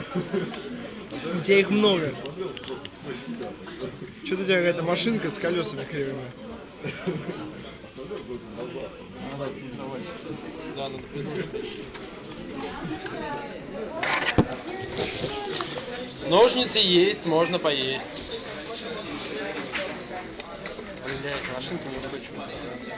У тебя их много. Что-то у тебя какая-то машинка с колесами кривыми. Ножницы есть, можно поесть. Блять, машинка не выкручивает.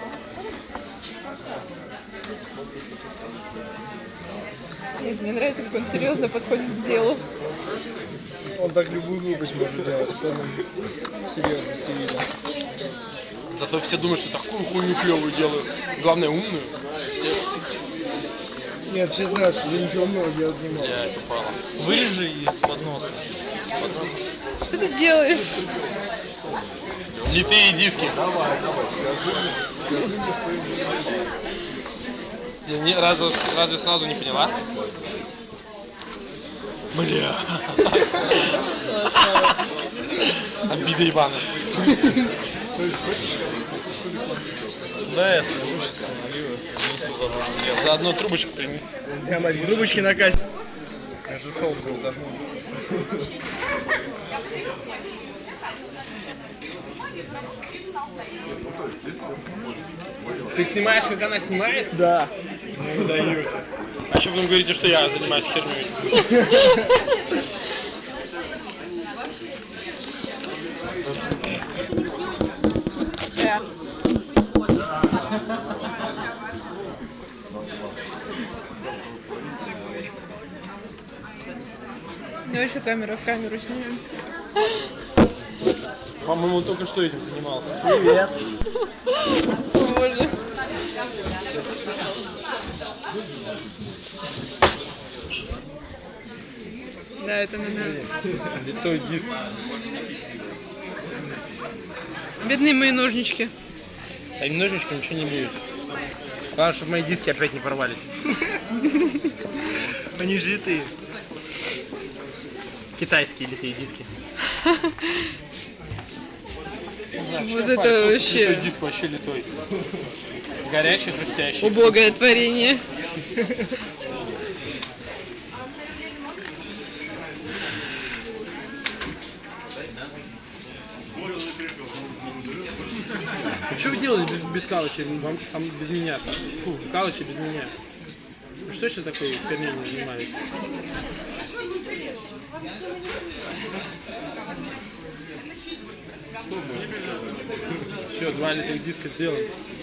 Нет, мне нравится, как он серьезно подходит к делу. Он так любую глупость может делать, с полным серьезностью видно. Зато все думают, что такую хуйню клевую делаю. Главное, умную. Нет, все знают, что ты ничего умного сделать не можешь. Я это упала. Вырежи из-под носа. Что ты делаешь? Литые диски. Давай, Разве сразу не поняла? Бля. Обида ебаная. Да, я сложу сейчас налью. Заодно трубочку принеси. Прямо из трубочки на кассе. Между соусом зажму. Ты снимаешь, как она снимает? Да. Ну даете. А что потом говорите, что я занимаюсь херней? Да. Давай еще камеру в камеру снимем. По-моему, только что этим занимался. Привет. Боже. Да, это надо. Литой диск. Бедные мои ножнички. А им ножнички ничего не будет. Главное, чтобы мои диски опять не порвались. Они же литые. Китайские литые диски. Вот это вообще. Литой диск вообще литой. Горячий, хрустящий. Убогое творение. Ну что вы делали без Калыча? Вам сам без меня. Фу, Калыча без меня. Ну что еще такое херней не занимались? Все, 2 литых диска сделан.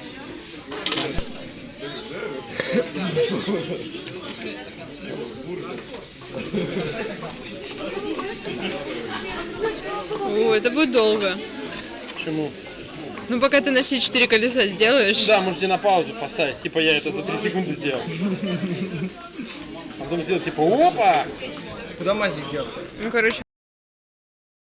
О, это будет долго. Почему? Ну, пока ты на все 4 колеса сделаешь. Да, можете на паузу поставить. Типа я это за 3 секунды сделал. А потом сделать типа опа! Куда мазик делся? Ну, короче.